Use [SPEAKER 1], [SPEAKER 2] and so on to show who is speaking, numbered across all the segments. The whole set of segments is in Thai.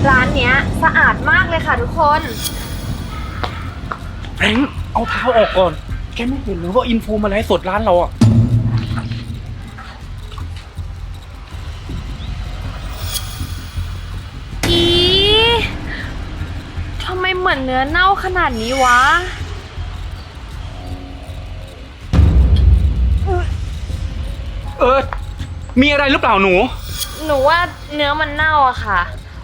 [SPEAKER 1] ร้านเนี้ยสะอาดมากเลยค่ะทุกคน
[SPEAKER 2] แฟรงค์เอาเท้าออกก่อนแกไม่เห็นหรือว่าอินฟูมาไลฟ์สดร้านเราอ่ะ
[SPEAKER 1] อีทำไมเหมือนเนื้อเน่าขนาดนี้วะ
[SPEAKER 2] มีอะไรหรือเปล่าหนู
[SPEAKER 1] ว่าเนื้อมันเน่าอะค่ะ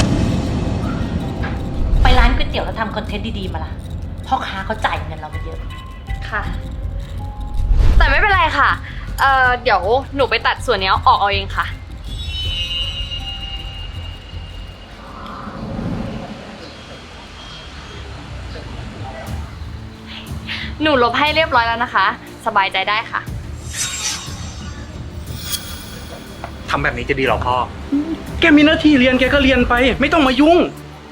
[SPEAKER 3] ไปร้านก๋วยเตี๋ยวแล้วทำคอนเทนต์ดีๆมาล่ะพ่อค้าเขาจ่ายเงินเราไปเยอะ
[SPEAKER 1] ค่ะ แต่ไม่เป็นไรค่ะเดี๋ยวหนูไปตัดส่วนนี้ออกเอาเองค่ะ หนูลบให้เรียบร้อยแล้วนะคะ สบายใจได้ค่ะ
[SPEAKER 4] ทำแบบนี้จะดีหรอพ่อ
[SPEAKER 2] แกมีหน้าที่เรียนแกก็เรียนไปไม่ต้องมายุ่ง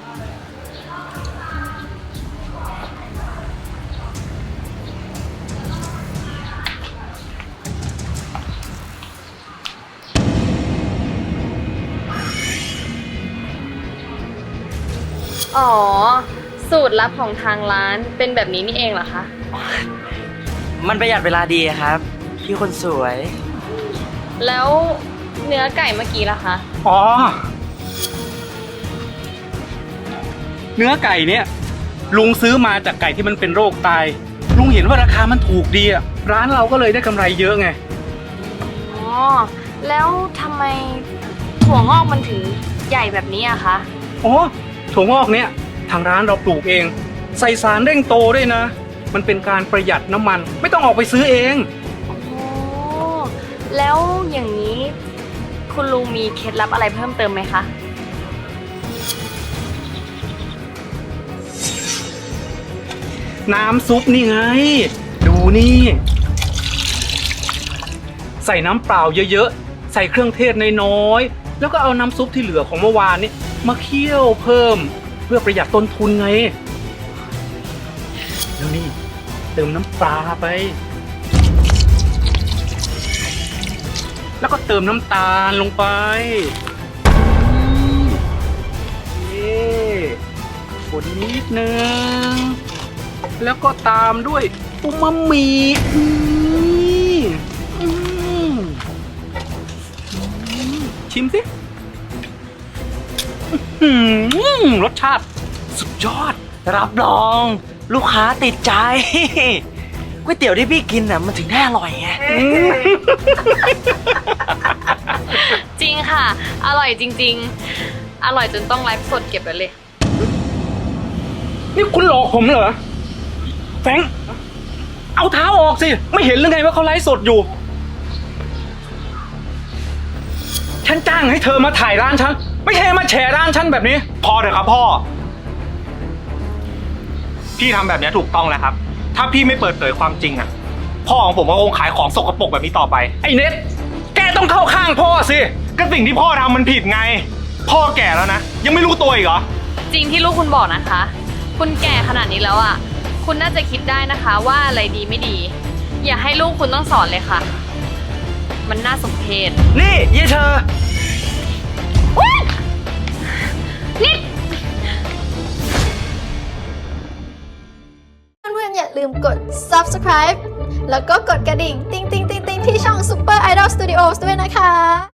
[SPEAKER 1] อ๋อ สูตรลับของทางร้านเป็นแบบนี้นี่เองเหรอคะ
[SPEAKER 5] มันประหยัดเวลาดีครับพี่คนสวย
[SPEAKER 1] แล้วเนื้อไก่เมื่อกี้ล่ะคะ
[SPEAKER 2] อ๋อเนื้อไก่เนี่ยลุงซื้อมาจากไก่ที่มันเป็นโรคตายลุงเห็นว่าราคามันถูกดีอ่ะร้านเราก็เลยได้กำไรเยอะไง
[SPEAKER 1] อ๋อ แล้วทำไมถั่วงอกมันถึงใหญ่แบบนี้อะคะ
[SPEAKER 2] อ๋อถั่วงอกเนี่ยทางร้านเราปลูกเองใส่สารเร่งโตด้วยนะมันเป็นการประหยัดน้ำมันไม่ต้องออกไปซื้อเอง
[SPEAKER 1] อ๋อแล้วอย่างนี้คุณลุงมีเคล็ดลับอะไรเพิ่มเติมไหมคะ
[SPEAKER 2] น้ำซุปนี่ไงดูนี่ใส่น้ำเปล่าเยอะๆใส่เครื่องเทศน้อยๆแล้วก็เอาน้ำซุปที่เหลือของเมื่อวานนี้มาเคี่ยวเพิ่มเพื่อประหยัดต้นทุนไงแล้วนี่เติมน้ำปลาไปแล้วก็เติมน้ำตาลลงไปคนนิดนึงแล้วก็ตามด้วยอูมามิชิมสิรสชาติสุดยอด
[SPEAKER 5] รับรองลูกค้าติดใจก๋วยเตี๋ยวที่พี่กินน่ะมันถึงได้อร่อยไง
[SPEAKER 1] จริงค่ะอร่อยจริงๆอร่อยจนต้องไลฟ์สดเก็บไว้เลย
[SPEAKER 2] นี่คุณหลอกผมเหรอแฟรงค์เอาเท้าออกสิไม่เห็นหรือไงว่าเขาไลฟ์สดอยู่ฉันจ้างให้เธอมาถ่ายร้านฉันไม่ใช่มาแฉร้านฉันแบบนี้
[SPEAKER 4] พอเถอะครับพ่อพี่ทำแบบนี้ถูกต้องแล้วครับถ้าพี่ไม่เปิดเผยความจริงอ่ะพ่อของผมก็คงขายของสกปรกแบบนี้ต่อไป
[SPEAKER 2] ไอ้เน็ตแกต้องเข้าข้างพ่อสิ
[SPEAKER 4] ก็สิ่งที่พ่อทำมันผิดไงพ่อแก่แล้วนะยังไม่รู้ตัวอีกเหรอ
[SPEAKER 1] จริงที่ลูกคุณบอกนะคะ คุณแก่ขนาดนี้แล้วอ่ะคุณน่าจะคิดได้นะคะว่าอะไรดีไม่ดีอย่าให้ลูกคุณต้องสอนเลยค่ะมันน่าสมเพช
[SPEAKER 5] นี่ยี่เธอ
[SPEAKER 1] นี่
[SPEAKER 6] เพื่อนๆอย่าลืมกด subscribe แล้วก็กดกระดิ่งติ๊งๆๆๆที่ช่อง Super Idol Studios ด้วยนะคะ